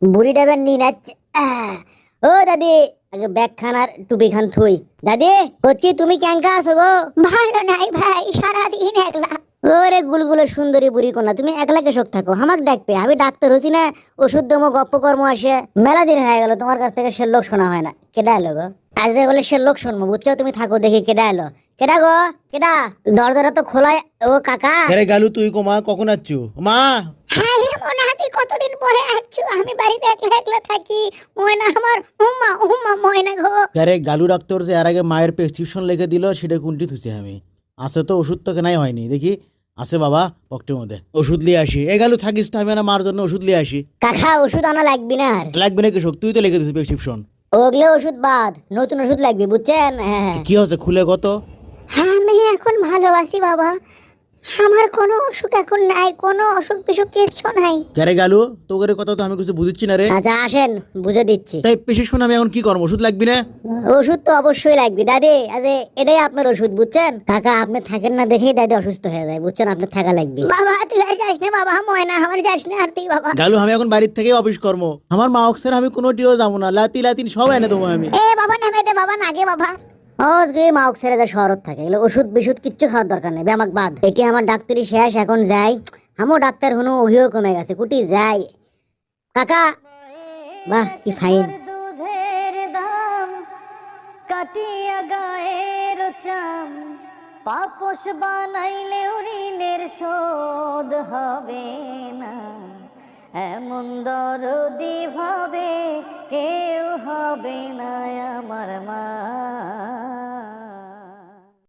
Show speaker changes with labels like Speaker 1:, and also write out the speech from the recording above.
Speaker 1: বুড়ি ডাবের নি নাচ। ও দাদি, আগে ব্যাগ খান আর টুপি খান থুই। দাদি করছি, তুমি ক্যাঙ্কা আছো গো? ভালো নাই ভাই, সারাদিন একলা। ওরে গুলগুলো সুন্দরী বুড়ি কোনা, তুমি একলা কেসক থাকো, আমাক ডাকবে, আমি ডাক্তার হচ্ছি না, ওষুধ দমো গপ্প কর্ম আসে। মেলা দিন হয়ে গেল তোমার কাছ থেকে সে লোক শোনা হয় না। কেডা এলো গো? আজ বলে সে লোক শুনবো, বুঝছো? তুমি থাকো, দেখি কেডা এলো। কেডা গো? কেডা? দরজাটা তো খোলা। ও কাকা।
Speaker 2: আরে গালু, তুই কমা কখন আচ্ছু মা?
Speaker 1: হ্যাঁ রে মনা, তুই কতদিন পরে আসছো? আমি বাড়িতে একলা একলা থাকি। ময়না আমার, উম্মা উম্মা ময়না গো।
Speaker 2: আরে গালু ডাক্তার যে এর আগে মায়ের প্রেসক্রিপশন লিখে দিল, সেটা কোনটি থুছি আমি? আছে তো ওষুধ, তো কেনাই হয়নি দেখি। আছে বাবা পকেটের মধ্যে, ওষুধ নিয়ে আসি। এ গালু থাকিস তো, আমি না মার জন্য ওষুধ নিয়ে আসি।
Speaker 1: কাকা ওষুধ আনা লাগবে না আর।
Speaker 2: লাগবে না কৃষক, তুই তো লিখে দিছিস প্রেসক্রিপশন।
Speaker 1: ওগুলো ওষুধ বাদ, নতুন ওষুধ লাগবে, বুঝছেন? হ্যাঁ।
Speaker 2: কি হচ্ছে খুলে কত?
Speaker 1: হ্যাঁ আমি এখন ভালো আছি বাবা, আমার কোনো অসুখ এখন নাই, কোনো অসুখ বিসুখ কিচ্ছু নাই।
Speaker 2: আরে গালু, তোদের কথা তো আমি কিছু বুঝছি না রে।
Speaker 1: আচ্ছা আসেন, বুঝে দিচ্ছি।
Speaker 2: তাই প্রেসক্রিপশন আমি এখন কি করবো? ওষুধ লাগবে না?
Speaker 1: ওষুধ তো অবশ্যই লাগবে দাদি। আরে এটাই আপনার ওষুধ, বুঝছেন? কাকা আপনি থাকেন না দেখেই দাদি অসুস্থ হয়ে যায়, বুঝছেন? আপনি থাকা লাগবে। বাবা তুই আর যাস না বাবা, ময়না আমার যাস না আর তুই বাবা।
Speaker 2: গালু, আমি এখন বাড়ির থেকে অফিস কর্ম, আমার মা অক্সের আমি কোনো ডিও যাবো না, লাতি লাতিন সব এনে দেবো আমি।
Speaker 1: এ বাবা নামে দে বাবা, নাগে বাবা। আজকে মাউক ছেড়ে যা শহরত থাকে, এগুলো ওষুধ বিশুধ কিচ্ছু খাওয়ার দরকার নেই, আমাকে বাদ। এটি আমার ডাক্তারি শেষ, এখন যাই। আমও ডাক্তার হনো, ওহিও কমে গেছে, কুটি যাই। কাকা, বাহ কি ফাইন। দুধের দাম কাটিয়া গায়ের চাম, পাপোশ বানাইলে ঋণের শোধ হবে না, এমন দরদি ভাবে কেউ হবে না আমার মা।